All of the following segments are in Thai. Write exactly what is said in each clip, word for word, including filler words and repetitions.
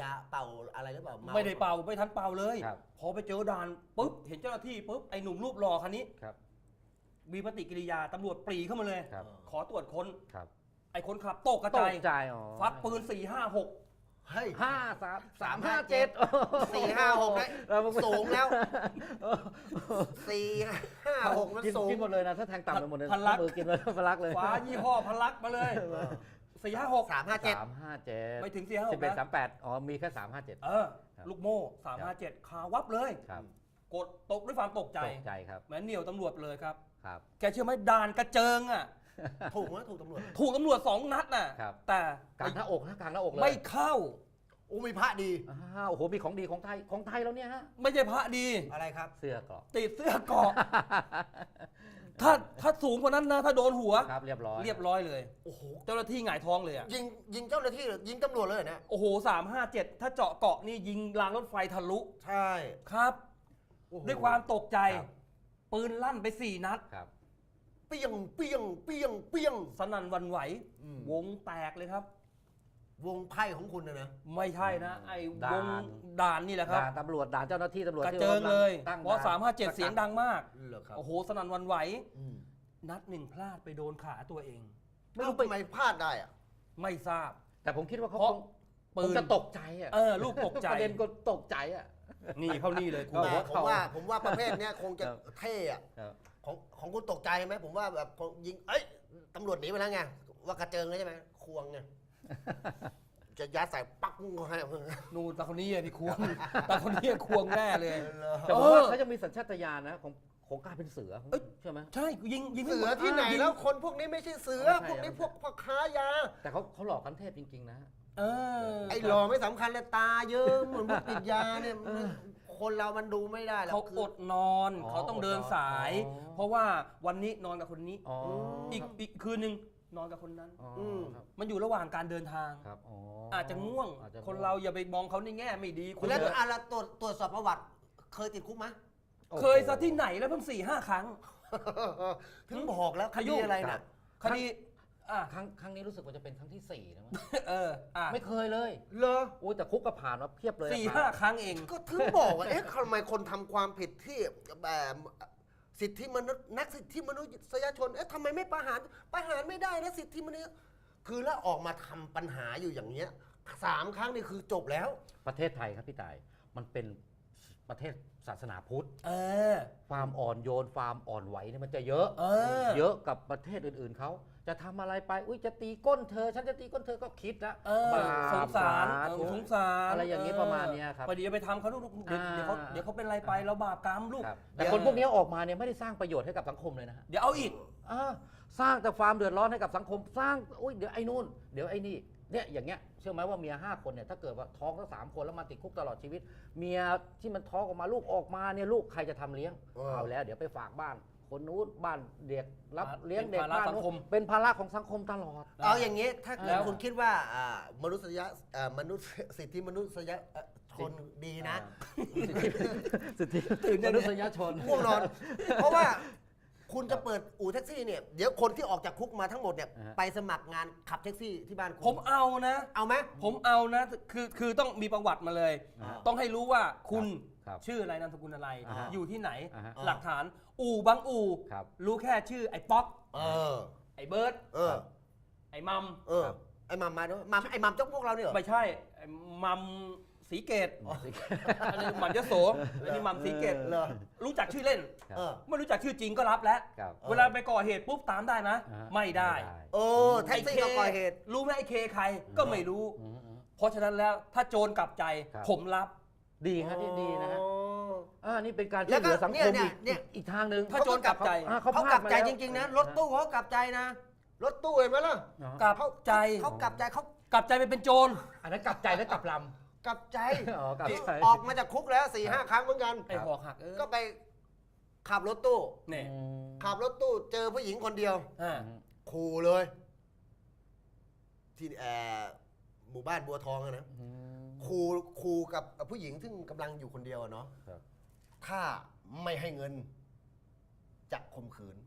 าเป่าอะไรหรือเปล่าไม่ได้เป่าไม่ทันเป่าเลยครับพอไปเจอด่านปุ๊บเห็นเจ้าหน้าที่ปุ๊บไอ้หนุ่มรูปหล่อคันนี้ครับมีปฏิกิริยาตำรวจปรีเข้ามาเลยครับขอตรวจค้นครับไอ้คนขับตกกระตจายกใจอ๋อฟักปืนสี่ห้าหกเฮ้ยห้าสามสามห้าเจ็ดสี่ห้าหกได้สูงแล้วสี่ห้าหกมันกินสูงกินหมดเลยนะถ้าแทงต่ำไปหมดเลยพลักมือกินเลยพลักเลยฟ้ายี่ห้อพลักมาเลยสี่ห้าหกสามห้าเจ็ดสามห้าเจ็ดไม่ถึงสี่ห้าหสิบกเอ็ดสานะมแปดอ๋อมีแค่สามห้าเจ็ดเออครับลูกโม่สามห้าเจ็ดคาวับเลยครับกดตกด้วยความตกใจตกใจครับเหมือนเหนียวตำรวจเลยครับครับแกเชื่อไหมด่านกระเจิงอ่ะถูกไหมถูกตำรวจถูกตำรวจสองนัดน่ะครับแต่กลางหน้าอกนะกลางหน้าอกเลยไม่เข้าอู้มีพระดีอ้าวโอ้โหมีของดีของไทยของไทยแล้วเนี่ยฮะไม่ใช่พระดีอะไรครับเสื้อเกราะติดเสื้อเกราะ ถ้าถ้าสูงกว่านั้นนะถ้าโดนหัวครับเรียบร้อยเรียบร้อยเลยโอ้โหเจ้าหน้าที่หงายท้องเลยอ่ะยิงยิงเจ้าหน้าที่หรือยิงตำรวจเลยเหรอเนี่ยโอ้โหสามห้าเจ็ดถ้าเจาะเกาะนี่ยิงรางรถไฟทะลุใช่ครับโอ้โหด้วยความตกใจครับปืนลั่นไปสี่นัดครับเปี้ยงเปี้ยงเปี้ยงเปี้ยงสนั่นหวันไหวอืมวงแตกเลยครับวงไพ่ของคุณนะนะไม่ใช่นะ ไอ้ด่านวงด่านนี่แหละครับด่านตำรวจด่านเจ้าหน้าที่ตำรวจกระที่เจิงเลยตั้งเพราะสามห้าเจ็ดด่นเสียงดังมากเหรอครับโอ้โหสนั่นหวันไหวอืมนัดหนึ่งพลาดไปโดนขาตัวเองไม่รู้ทำไมพลาดได้อะไม่ทราบแต่ผมคิดว่าเขาเพราะคงปืคงนจะตกใจอ่ะเออลูกตกใจประเด็นก็ตกใจอ่ะนี่เข้านี่เลยคุณโอ้แต่โหผมว่าผมว่าประเภทเนี้ยคงจะครับเท่อะครับของของคุณตกใจไหมผมว่าแบบคงยิงเอ้ยตำรวจหนีไปแล้วไงว่ากระเจิงเลยใช่ไหมควงไงจะยัดใส่ปักเขาให้นูนตาคนนี้อะที่ควง ตาคนนี้อะควงแน่เลยแต่ผมว่าเขาจะมีสัญชาตญาณนะของของการเป็นเสือเอ้ยใช่ไหมใช่ยิงยิงเสือที่ไหนแล้วคนพวกนี้ไม่ใช่เสือไม่ใช่พวกนี้พวกพ่อค้ายาแต่เขาเขาหลอกกันเทพจริงๆนะเออไอ้หล่อไม่สำคัญเลยตาเยิ้มเหมือนพวกติดยาเนี่ยมันคนเรามันดูไม่ได้หรอกเขาคืออดนอนอ๋อเขาต้องเดินสายอ๋อเพราะว่าวันนี้นอนกับคนนี้อ๋ออีกอีกคืนหนึ่งนอนกับคนนั้นอ๋อครับมันอยู่ระหว่างการเดินทางครับอ๋ออาจจะง่วงอจจะคนเราอย่าไปมองเขาในแง่ไม่ดีคุณแล้วเถอะอะไรตรวจตรวจสอบประวัติ เคยติดคุกไหมโอ้โหเคยซะที่ไหนแล้วเพิ่งสี่ห้าครั้งถึงบอกแล้วคขยุ่ดีงอะไรน่ะคดีอ่ะครั้งครั้งนี้รู้สึกว่าจะเป็นครั้งที่สี่นะมั้งเอออ่ะไม่เคยเลยเหรอโอ้ยแต่คุกก็ผ่านมาเพียบเลยสี่ผ่นห้าครั้งเองก็ถึงบอกว่า เอ๊ะทำไมคนทำความผิดที่แบบสิทธิมนุษย์นักสิทธิมนุษยชน เอ๊ะทำไมไม่ประหาร ประหารไม่ได้นะสิทธิมนุษยคือแล้วออกมาทำปัญหาอยู่อย่างเนี้ยสามครั้งนี่คือจบแล้วประเทศไทยครับพี่ต่ายมันเป็นประเทศศาสนาพุทธเออความอ่อนโยนความอ่อนไหวเนี่ยมันจะเยอะเออเยอะกับประเทศอื่นๆเขาจะทำอะไรไปอุ้ยจะตีก้นเธอ ฉันจะตีก้นเธอก็คิดนะเออบาปสงสารสาเอธุอสงสารอะไรอย่างนี้ประมาณเนี้ยครับพอดีไปทำเขาลูกเดี๋ยวอ่าเดี๋ยวเขาเดี๋ยวเขาเป็นอะไรไปเราบาปกรรมลูกครับแต่คนพวกนี้ออกมาเนี่ยไม่ได้สร้างประโยชน์ให้กับสังคมเลยนะฮะเดี๋ยวเอาอีกอ่าสร้างแต่ความเดือดร้อนให้กับสังคมสร้างอุ้ยเดี๋ยวไอ้นู่นเดี๋ยวไอ้นี่เนี่ยอย่างเงี้ยเชื่อไหมว่าเมียห้าคนเนี่ยถ้าเกิดว่าท้องทั้งสามคนแล้วมาติดคุกตลอดชีวิต เมียที่มันท้องออกมาลูกออกมาเนี่ยลูกใครจะทำเลี้ยงเออเอาแล้วเดี๋ยวไปฝากบ้าน คนนู้นบ้านเด็กรับอ่าเลี้ยงเด็กเป็นภาระบ้านสังคมนู้นเป็นภาระของสังคมตลอดเอาอย่างนี้ถ้าแล้วคุณคิดว่าอ่ามนุษยอ่ามนุษยสิทธิมนุษยชนดีนะสิทธิตื่นมยังนุไงษยชนง่วงนอน เพราะว่าคุณจะเปิดอู่แท็กซี่เนี่ยเดี๋ยวคนที่ออกจากคุกมาทั้งหมดเนี่ยอ่าฮะไปสมัครงานขับแท็กซี่ที่บ้านคุณผมเอานะเอาไหมผมเอานะ คือคือต้องมีประวัติมาเลยอ่าต้องให้รู้ว่าคุณครับชื่ออะไรนามสกุลอะไรอ่าฮะอยู่ที่ไหนอ่าฮะหลักฐาน อู่บางอู่ครับรู้แค่ชื่อไอ้ป๊อกเออไอ้เบิร์ดเออไอ้มัมเออ ไอ้มัมมาด้วยมัมไอ้มัมเจ้าพวกเราเนี่ยเหรอไม่ใช่ไอ้มัมสีเกตอันนี้มัมยโสอันนี้มัมสีเกตเหรอรู้จักชื่อเล่นครับเออไม่รู้จักชื่อจริงก็รับแล้วครับเวลาไปก่อเหตุปุ๊บตามได้นะอ่าฮะไม่ได้เออแท็กซี่ก็ก่อเหตุรู้ไหมไอ้เคใครก็ไม่รู้อืมอืมเพราะฉะนั้นแล้วถ้าโจรกลับใจครับผมรับดีฮะที่ดีนะฮะอ๋ออ่านี่เป็นการแล้ช่ววย ก็เหลือสังคมเนี่ยอีกเนี่ยอีกทางหนึ่งถ้าโจรกลับใจอ่าเขาพลกดลับมใจแล้วจริงๆนะรถตู้เขากลับใจนะ รถตู้เห็นไหมล่ะอ๋อกลับใจเขากลับใจเขากลับใจไปเป็นโจรอันนั้นกลับใจและกลับลกลับใจำอ๋อกลับใจออกมาจากคุกแล้วสี่ห้าครั้งเหมือนกันไอ้หอกหักเออก็ไปขับรถตู้เนี่ยอืมขับรถตู้เจอผู้หญิงคนเดียวอ่าขู่เลย ที่แอร์หมู่บ้านบัวทองอะนะอืมขู่ขู่กับผู้หญิงซึ่งกำลังอยู่คนเดียวอะเนาะครับถ้าไม่ให้เงินจะข่มขืน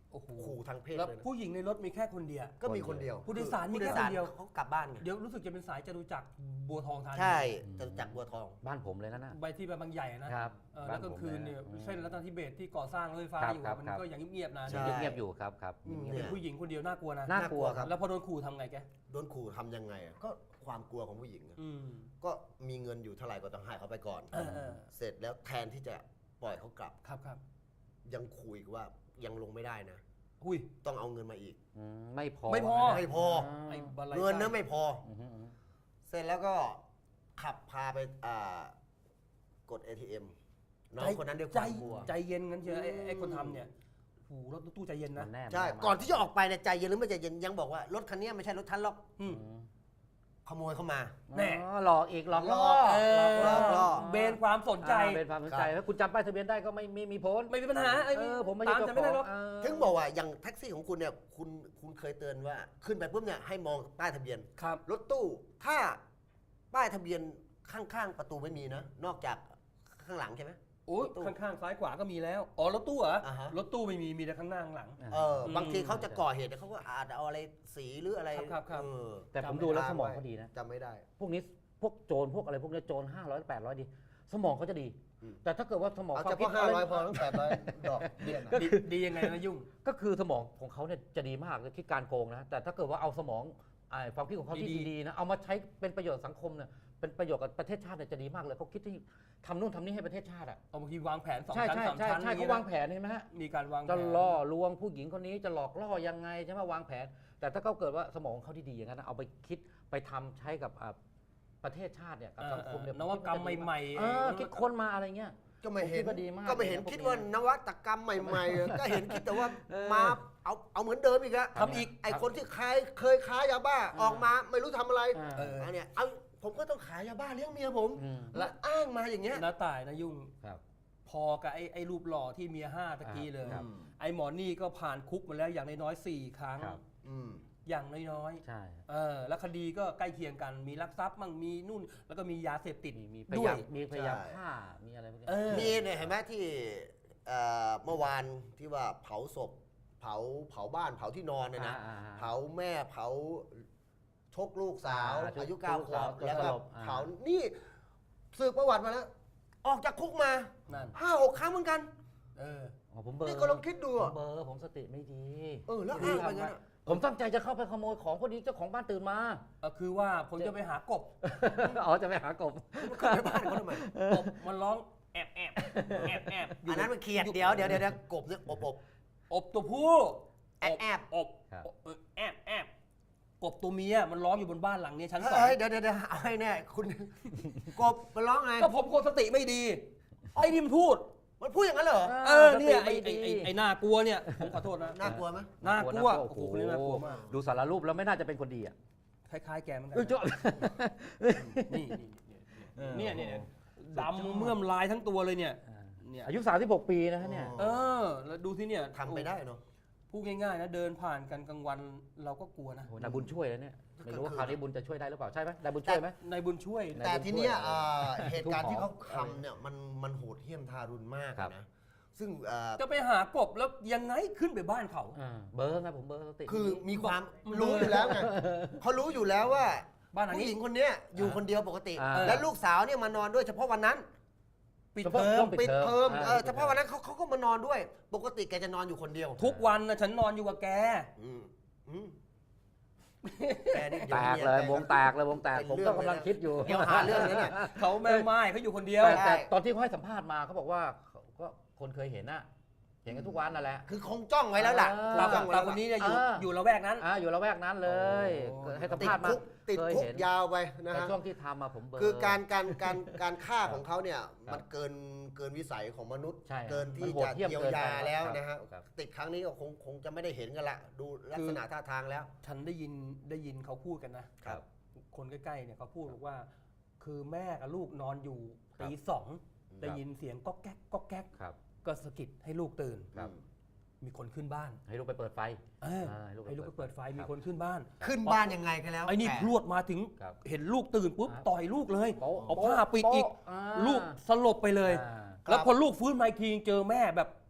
โอ้โหขู่ทางเพศแล้วเลยนะผู้หญิงในรถมีแค่คนเดียวก็มีคนเดียวผู้โดยสารมีผู้โดแค่ยสารคนเดียวเขากลับบ้านไงเดี๋ยวรู้สึกจะเป็นสายจตุจักรบัวทองธานีใช่จะจากบัวทองบ้านผมเลยนะน่ะใบที่บางใหญ่นะครับ เออแล้วกลางคืนเนี่ยบ้านผมเลยนะเส้นรัตนทิเบศที่ก่อสร้างรถไฟฟ้าครับอยู่ครับมันครับก็ยังเงียบๆนะใช่เงียบๆอยู่ครับครับอืมเงีเป็ยนบผู้หญิงคนเดียวน่ากลัวนะๆน่ากลัวครับแล้วพอโดนขู่ทำไงแกโดนขู่ทำยังไงอะก็ความกลัวของผู้หญิงอะอืมก็มีเงินอยู่เท่าไหร่ก็ต้องให้เขาไปก่อนเออเออเสร็จแล้วแทนที่จะปล่อยเขากลับครับครับยังคุยว่ายังลงไม่ได้นะหุยต้องเอาเงินมาอีกอืมไม่พอไม่พอไม่พอไอ้บัลลัยเงินนะไม่พออืมอืมอืมเสร็จแล้วก็ขับพาไปอ่ากด เอ ที เอ็ม น้องคนนั้นด้วยคใจวามกลัวใจเย็นงั้นเชียวไอ้อืมไอ้คนทำเนี่ยโอ้โหรถตู้ใจเย็นมันะนแน่ใช่มัแก่อนที่จะออกไปเนี่ยใจเย็นหรือไม่ใจเย็นยังบอกว่ารถคันนี้ไม่ใช่รถท่านหรอกอืมอืมขโมยเข้ามาแน่อ๋อหลอกอีกหลอกล่อเออหลอกล่อเบนความสนใจอ่าเป็นความสนใจแล้วคุณจำป้ายทะเบียนได้ก็ไม่ไม่มีผลไม่มีปัญหาไอ้เออผมไม่ตามใช่จะเจ้าไม่ขได้องหรอกเออถึงบอกว่าอย่างแท็กซี่ของคุณเนี่ยคุณคุณเคยเตือนว่าขึ้นไปปุ๊บเนี่ยให้มองป้ายทะเบียนครับรถตู้ถ้าป้ายทะเบียนข้างๆประตูไม่มีนะ นอกจากข้างหลังใช่ไหมโอ้ยรถตู้ข้างๆซ้ายขวาก็มีแล้วอ๋อรถตู้เหรออ่าฮะรถตู้ไม่มีมีแต่ข้างหน้าข้างหลังเอออบางทีเขาจะก่อเหตุเนี่ยเขาก็อาจจะเอาอะไรสีหรืออะไรครับครับเออแต่ผมจำไม่ดูแล้วได้สมองเขาดีนะจำไม่ได้พวกนี้พวกโจรพวกอะไรพวกเนี้ยโจรห้าร้อยแปดร้อยดี สมองเขาจะดีอืมแต่ถ้าเกิดว่าสมองเอาควาเฉมคิดพาะห้าร้อยะไพอตั้งแปดร้อยดอกเบี้ยนะดีดียังไงนะยุ่งก็คือสมองของเขาเนี่ยจะดีมากเลยคิดการโกงนะ แต่ถ้าเกิดว่าเอาสมองไอ้ความคิดของเขาที่ดีๆดีๆนะเอามาใช้เป็นประโยชน์สังคมเนี่ยเป็นประโยชน์กับประเทศชาติเนี่ยจะดีมากเลยเขาคิดที่ทำนู่นทำนี่ให้ประเทศชาติอ่ะเอาบางทีวางแผนสองใช่ชั้นใช่สามใช่ชั้นใช่เขาวางแผนเห็นไหมฮะมีการวางแผจะนล่อลวงผู้หญิงคนนี้จะหลอกล่อยังไงใช่ไหมวางแผน แต่ถ้าเขาเกิดว่าสมองเขาดีๆอย่างนั้นนะเอาไปคิดไปทำใช้กับอ่าประเทศชาติเนี่ยกับเออสังคมเนี่ยนวัตกรรมใหม่ๆเออคิดค้นมาอะไรเงี้ยก็ไม่เห็นผมคิดว่าดีมากก็ไม่เห็นเลยนะคิดพวกนี้ว่านวัตกรรมใหม่ๆ ก็เห็นคิดแต่ว่าเออมาเอาเอาเหมือนเดิมอีกอะทำอีกไอคนที่ขายเคยค้ายาบ้าออกมาไม่รู้ทำอะไรอ่าเอออันเนี้ยเอาผมก็ต้องขายยาบ้าเลี้ยงเมียผมอืมแล้วอ้างมาอย่างเงี้ยน้าตายนะยุ่งครับพอกับไอ้ไอ้รูปหล่อที่เมียห้าตะกี้เลยครับไอ้หมอนี่ก็ผ่านคุกมาแล้วอย่างน้อยๆสี่ครั้งครับอืมอย่างน้อยใช่ๆเออแล้วคดีก็ใกล้เคียงกันมีลักทรัพย์มั่งมีนู่น แล้วก็มียาเสพติดมีมีพด้ยาวยยามมีพยายามใช่ฆ่ามีอะไรพวกเนี้ยเออมีเนี่ยเห็นไหมที่เอ่อเมื่อวานที่ว่าเผาศพ เผาเผาบ้านเผาที่นอนเนี่ยนะอ่าอ่าเผาแม่เผาชกลูกสาวอ่าชกอายุเก้าลูกขวสาวบจนแล้วสก็ลบอ่าเผานี่สืบประวัติมาแล้ว ออกจากคุกมานั่นห้าหกครั้งเหมือนกันเอออ๋อผมเบลอนี่ก็ลองคิดดูผมอะเบลอผมสติไม่ดีเออแล้วอ้างไปงั้นอะผมตั้งใจจะเข้าไปขโมยของพอดีเจ้าของบ้านตื่นมาเออคือว่าผมจะไปหากบอ๋อจะไปหากบขึ้นไปบ้านเขาทำไมกบมันร้องแอบแอบแอบแอบยู่อันนั้นมันเขียดเดี๋ยวเดี๋ยวเดี๋ยวเดี๋ยวกบเนี่ยอบอบอบตัวผู้แอบแอบอบครับอบเออแอบแอบกบตัวเมียมันร้องอยู่บนบ้านหลังนี้ชั้นสองเฮ้ยเดี๋ยวเดี๋ยวเดี๋ยวเอาให้แน่คุณ กบมันร้องไงก็ผมคนสติไม่ดีไอ้นี่มันพูดมันพูดอย่างนั้นเหรอเออเนี่ยสไอ้ติไอ้ม่ไอ้ดีไอ้น่ากลัวเนี่ยผมขอโทษนะน่ากลัวไหมน่ากลัวโอ้โอ้โหโหคนนี้น่ากลัวมากดูสารรูปแล้วไม่น่าจะเป็นคนดีอ่ะคล้ายๆแกเหมือนกัเออเจ้านี่เออนี่นี่เนี่ยดำเมื่อมลายทั้งตัวเลยเนี่ยเนี่ยอายุสามสิบหกปีนะฮะเนี่ยเออแล้วดูที่เนี่ยทำไปได้เนาะพูดง่ายๆนะเดินผ่านกันกลางวันเราก็กลัวนะโอ้นายบุญช่วยแล้วเนี่ยไม่รู้ว่าคราวนี้บุญจะช่วยได้หรือเปล่าใช่ไหมนายบุญช่วยไหมในบุญช่วยในแต่ทีเนี้ยบุญช่วยเอ่อเหตุการณ์ที่เขาทุกหอทำเนี่ยมันมันโหดเหี้ยมทารุณมากครับนะซึ่งเอ่อจะไปหากบแล้วยังไงขึ้นไปบ้านเขาอ่าเบอร์ไงผมเบอร์สติคือมีความมันรู้อยู่แล้วไงเขารู้อยู่แล้วว่าบ้านหลังผู้นี้หญิงคนเนี้ยอยู่คนเดียวปกติอ่าและลูกสาวเนี่ยมานอนด้วยเฉพาะวันนั้นปิดเฉเทพาะอช่มวงปิดเทอมอ่าเออปิดเทอมเฉพาะวันนั้นเขาเขาก็มานอนด้วย ปกติแกจะนอนอยู่คนเดียวทุกวันนะฉันนอนอยู่กับแกอืมอืมแกนี่แตกเลยวงแตกเลยวงแตกผมก็กำลังคิดอยู่เดี๋ยวหาเรื่องนี้เนี่ยเขาแม่ไม้เขาอยู่คนเดียวแต่แต่ใช่ตอนที่เขาให้สัมภาษณ์มาเขาบอกว่าเขาก็คนเคยเห็นน่ะเห็นกันทุกวันนั่นแหละคือคงจ้องไว้แล้วล่ะอ่าตาจ้องไว้ตาแล้วคนล่ะนี้เนี่ยอยู่อ่าอยู่ละแวกนั้นอ่าอยู่ละแวกนั้นเลยโอ้ให้สัมติดภาษณ์มาคุกติดเคยคุกเห็นยาวไปนะแต่ฮะช่วงที่ทำมาผมเบลอคือการการการการฆ่าของเขาเนี่ยครับมันเกินเกินวิสัยของมนุษย์ใช่เกินที่มันโหดจะเหี้ยมเยียวเกินไปยาแล้วครับนะฮะครับติดครั้งนี้ก็คงคงจะไม่ได้เห็นกันละดูลักษณะท่าทางแล้วฉันได้ยินได้ยินเขาพูดกันนะครับคนใกล้ๆเนี่ยเขาพูดบอกว่า คือแม่กับลูกนอนอยู่ครับตีสองได้ยินเสียงก๊อกแก๊กก๊อกแก๊กครับก็สะกิดให้ลูกตื่นครับมีคนขึ้นบ้านให้ลูกไปเปิดไฟเอออ่าให้ลูกไปให้ลูกไปเปิเปิดดไฟไฟครับมีคนขึ้นบ้านขึ้นบ้านยังไงกันแล้วไอ้นี่แต่พรวดมาถึงครับเห็นลูกตื่นปุ๊บครับต่อยลูกเลยโป๊ะเอาผ้าปิดอีกโป๊ะอ่าลูกสลบไปเลยอ่าแล้วพอลูกฟื้นมาอีกทีเจอแม่แบบ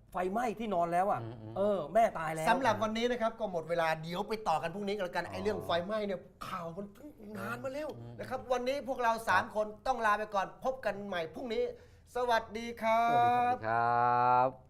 ไฟไหม้ที่นอนแล้วอ่ะอืมอืมเออ แม่ตายแล้วสำหรับวันนี้นะครับก็หมดเวลาเดี๋ยวไปต่อกันพรุ่งนี้กันแล้วกันไอ้เรื่องไฟไหม้เนี่ยข่าวมันนานมาแล้วนะครับวันนี้พวกเราสามคนต้องลาไปก่อนพบกันใหม่พรุ่งนี้ สวัสดีครัสวัสดีบครับ